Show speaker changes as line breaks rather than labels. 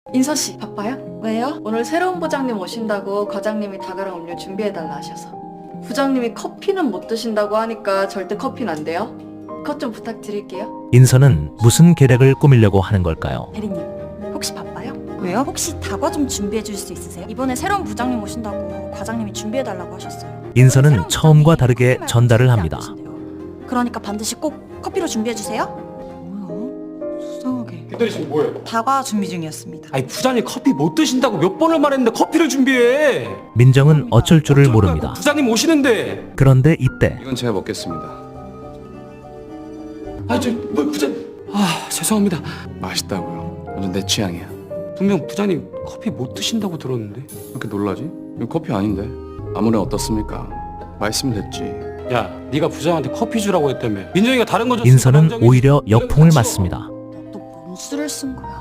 인서씨 바빠요? 왜요? 오늘 새로운 부장님 오신다고 과장님이 다가랑 음료 준비해달라 하셔서. 부장님이 커피는 못 드신다고 하니까 절대 커피는 안 돼요. 컷 좀 부탁드릴게요.
인서는 무슨 계략을 꾸미려고 하는 걸까요?
대리님 혹시 바빠요?
왜요? 혹시 다과 좀 준비해 줄 수 있으세요? 이번에 새로운 부장님 오신다고 과장님이 준비해 달라고 하셨어요.
인서는
새로운
처음과
부장님이
다르게
커피 말고
전달을
커피 안
합니다.
드신대요. 그러니까 반드시 꼭 커피로 준비해 주세요.
뭐야? 수상하게.
기다리 지금 뭐해?
다과 준비 중이었습니다.
아니 부장님 커피 못 드신다고 몇 번을 말했는데 커피를 준비해.
민정은 어쩔 줄을
어쩔 거야,
모릅니다.
부장님 오시는데.
그런데 이때
이건 제가 먹겠습니다.
뭐 부장님. 죄송합니다.
맛있다고요. 완전 내 취향이야.
분명 부장님 커피 못 드신다고 들었는데.
왜 이렇게 놀라지? 이거 커피 아닌데. 아무나 어떻습니까? 맛있으면 됐지.
야, 네가 부장한테 커피 주라고 했다며. 민정이가 다른 거 줬으니까
인서는
남정이
오히려
이런 거
역풍을
같이
맞습니다.
너 뭔 수를 쓴 거야?